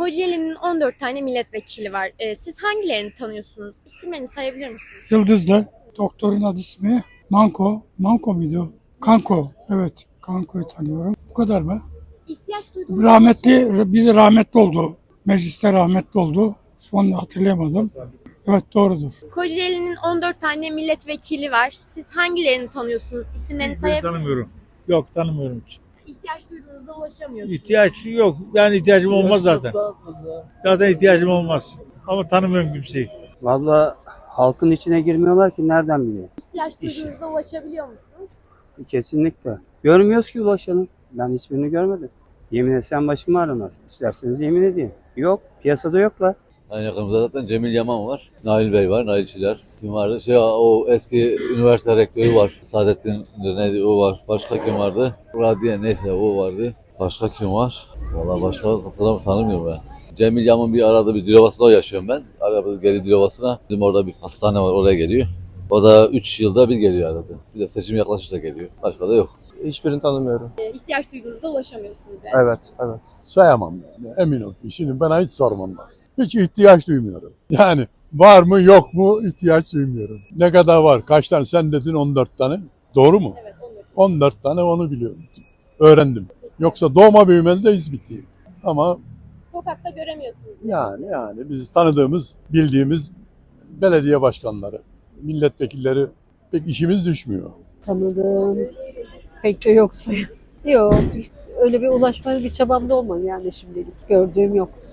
Kocaeli'nin 14 tane milletvekili var. Siz hangilerini tanıyorsunuz? İsimlerini sayabilir misiniz? Yıldızlı. Doktorun adı ismi Manko. Manko muydu? Kanko. Evet. Kanko'yu tanıyorum. Bu kadar mı? İhtiyaç duyduğunuz Biri rahmetli oldu. Mecliste rahmetli oldu. Şu an hatırlayamadım. Evet, doğrudur. Kocaeli'nin 14 tane milletvekili var. Siz hangilerini tanıyorsunuz? İsimlerini Hiçbirini sayabilir misiniz? tanımıyorum. Yok, tanımıyorum hiç. İhtiyaç duyduğunuzda ulaşamıyorsunuz. İhtiyaç yok. Yani ihtiyacım olmaz zaten. Zaten ihtiyacım olmaz. Ama tanımıyorum kimseyi. Vallahi halkın içine girmiyorlar ki nereden bileyim. İhtiyaç duyduğunuzda ulaşabiliyor musunuz? Kesinlikle. Görmüyoruz ki ulaşanı. Ben hiçbirini görmedim. Yemin etsem başım ağrımaz. İsterseniz yemin edeyim. Yok. Piyasada yoklar. En yakınımızda zaten Cemil Yaman var. Nail Bey var, Nail Çiler. Kim vardı? O eski üniversite rektörü var. Saadettin neydi o var. Başka kim vardı? Radiye neyse o vardı. Başka kim var? Vallahi başka tanımıyorum ben. Cemil Yaman bir arada bir Dilovası'nda yaşıyorum ben. Arada geri Dilovası'na. Bizim orada bir hastane var, oraya geliyor. O da 3 yılda bir geliyor arada. Bir de seçim yaklaşırsa geliyor. Başka da yok. Hiçbirini tanımıyorum. İhtiyaç duyduğunuzda ulaşamıyorsunuz yani. Evet. Sayamam yani, emin ol ki. Şimdi bana hiç sormam ben. Hiç ihtiyaç duymuyorum. Yani var mı yok mu ihtiyaç duymuyorum. Ne kadar var? Kaç tane? Sen dedin 14 tane. Doğru mu? Evet, 14 tane onu biliyorum. Öğrendim. Yoksa doğma büyümeli de İzmitliyim. Ama Sokakta göremiyorsunuz. yani biz tanıdığımız, bildiğimiz belediye başkanları, milletvekilleri pek işimiz düşmüyor. Tanıdığım pek de yoksa. Yok, işte öyle bir ulaşmaya bir çabam da olmadı yani şimdilik. Gördüğüm yok.